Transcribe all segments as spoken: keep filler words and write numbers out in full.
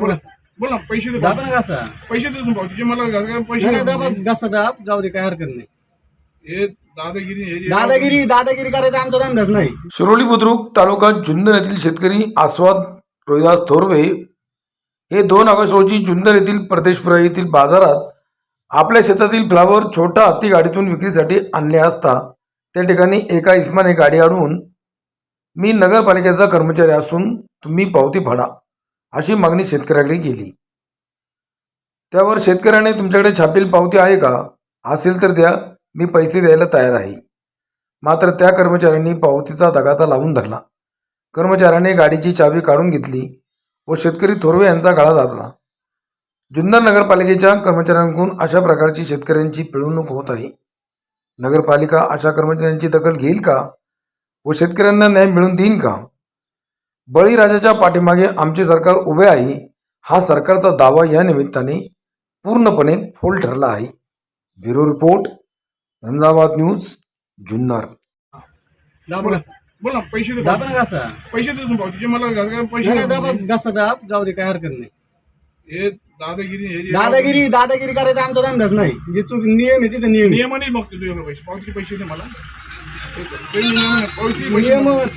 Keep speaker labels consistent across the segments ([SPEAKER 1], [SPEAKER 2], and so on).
[SPEAKER 1] बोला बोल ना. पैसे दे
[SPEAKER 2] दाबा ना घासा.
[SPEAKER 1] पैसे दे तुम्ही भाऊजी मला घासा- पैसे
[SPEAKER 2] नाही,
[SPEAKER 1] दे.
[SPEAKER 2] नाही, दाबा घासा दाब, जाऊ दे, काय हरकत नाही.
[SPEAKER 1] हे दादागिरी हे जे-
[SPEAKER 2] दादागिरी दादागिरी करायचा आमचा धंदाच नाही.
[SPEAKER 3] शिरोली बुद्रुक तालुका जुन्नर येथील शेतकरी आस्वाद रोहिदास थोरवे हे दोन ऑगस्ट रोजी जुन्नर येथील परदेशपुरा येथील बाजारात आपल्या शेतातील फ्लावर छोटा हत्ती गाडीतून विक्रीसाठी आणले असता त्या ठिकाणी एका इस्माने गाडी अडवून मी नगरपालिकेचा कर्मचारी असून तुम्ही पावती फाडा अशी मागणी शेतकऱ्याकडे केली. त्यावर शेतकऱ्याने तुमच्याकडे छापील पावती आहे का, असेल तर द्या, मी पैसे द्यायला तयार आहे. मात्र त्या कर्मचाऱ्यांनी पावतीचा दगाता लावून धरला. कर्मचाऱ्याने गाडीची चावी काढून घेतली व शेतकरी थोरवे यांचा गळा दाबला. जुन्नर नगरपालिकेच्या कर्मचाऱ्यांकडून अशा प्रकारची शेतकऱ्यांची पिळवणूक होत आहे. नगरपालिका अशा कर्मचाऱ्यांची दखल घेईल का व शेतकऱ्यांना न्याय मिळवून देईन का? बळीराजाच्या पाठीमागे आमचे सरकार उभे आहे हा सरकारचा दावा या निमित्ताने पूर्णपणे फोल ठरला आहे. ब्युरो रिपोर्ट, झंझावात न्यूज, जुन्नर.
[SPEAKER 2] दाबा घासा.
[SPEAKER 1] बोल ना. पैसे दे
[SPEAKER 2] दाबा ना घासा.
[SPEAKER 1] पैसे दे तुम्ही भाऊजी मला घासा- पैसे
[SPEAKER 2] नाही, नाही,
[SPEAKER 1] दे.
[SPEAKER 2] दाबा घासा दाब, जाऊ दे, काय हरकत नाही.
[SPEAKER 1] हे दादागिरी हे जे-
[SPEAKER 2] दादागिरी दादागिरी करायचा आमचा धंदाच नाही. जे चूक नियम आहे तिथे नियम आहे.
[SPEAKER 1] नियमाने बघतो तू एवढे पैसे पावतीचे पैसे दे मला. ते नियम आहे. पावतीचे पैसे
[SPEAKER 2] नियमच.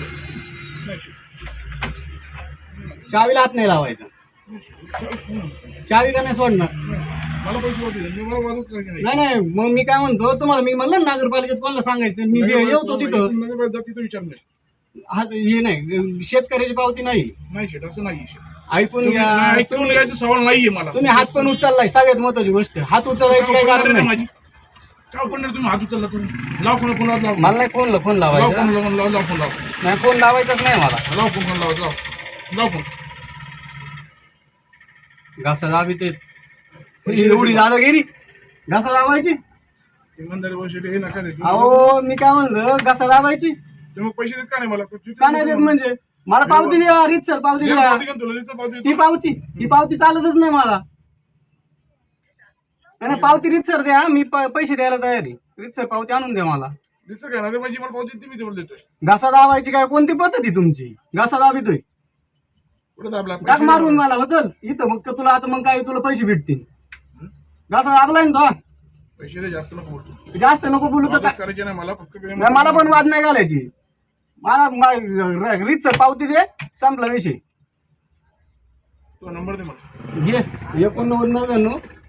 [SPEAKER 2] चावीला हात नाही लावायचा. चावी का नाही सोडणार.
[SPEAKER 1] मला पैसे पावती दे. मी मला वादच करायचे नाही.
[SPEAKER 2] नाही नाही, मग मी काय म्हणतो तुम्हाला, मी म्हणलं ना नगरपालिकेत कोणाला सांगायचं, मी येतो तिथं.
[SPEAKER 1] नगरपालिका जाती तर विचार नाही.
[SPEAKER 2] हा, हे नाही, शेतकऱ्याची पावती नाही.
[SPEAKER 1] नाही शेट असं नाही शेट.
[SPEAKER 2] ऐकून घ्या.
[SPEAKER 1] नाही, ऐकून घ्यायचा सवाल नाहीये मला.
[SPEAKER 2] तुम्ही हात पण उचललाय, सगळ्यात महत्वाची गोष्ट. हात उचलायची काही कारण नाही.
[SPEAKER 1] माझी काय पण तुम्ही हात उचलला तुम्ही लाव फोन फोन लाव
[SPEAKER 2] मला नाही फोनला फोन
[SPEAKER 1] लाव
[SPEAKER 2] लावायचा.
[SPEAKER 1] फोन लाव लाव लाव फोन लाव
[SPEAKER 2] नाही, फोन लावायचाच नाही मला.
[SPEAKER 1] लाव फोन फोन लाव लाव लाव फोन.
[SPEAKER 2] घासा दाबी ते एवढी दादागिरी. घासा दाबायची.
[SPEAKER 1] इमानदारी वर्ष हे नका दे.
[SPEAKER 2] अहो, मी काय म्हणलं, घासा दाबायची.
[SPEAKER 1] तुम्ही पैसे देत का नाही मला?
[SPEAKER 2] का नाही देत म्हणजे? मला पावती द्या, रीतसर पावती द्या.
[SPEAKER 1] पावती का तुला? रीतसर पावती
[SPEAKER 2] ती पावती ती पावती चालतच नाही मला. नाही, पावती रीतसर द्या, मी प- पैसे द्यायला तयार आहे. रीतसर पावती आणून द्या मला.
[SPEAKER 1] रीतसर काय ना माझी मला पावती ती मी तेवढं देतोय.
[SPEAKER 2] घासा दाबायची काय कोणती पद्धती तुमची? घासा दाबितोय.
[SPEAKER 1] कुठं दाबला?
[SPEAKER 2] टाक मारून मला हो, चल इथं. मग तुला आता मग काय तुला पैसे भेटतील. घासा दाबलाय ना तो.
[SPEAKER 1] पैसे दे, जास्त नको बोलतो.
[SPEAKER 2] जास्त नको बोलू तर
[SPEAKER 1] वादच
[SPEAKER 2] काय.
[SPEAKER 1] करायचे नाही मला फक्त.
[SPEAKER 2] नाही, मला पण वाद नाही घालायची. मला रीतसर पावती दे, संपला विषय.
[SPEAKER 1] तो नंबर दे मला.
[SPEAKER 2] घे एकोणनव्वद नव्याण्णव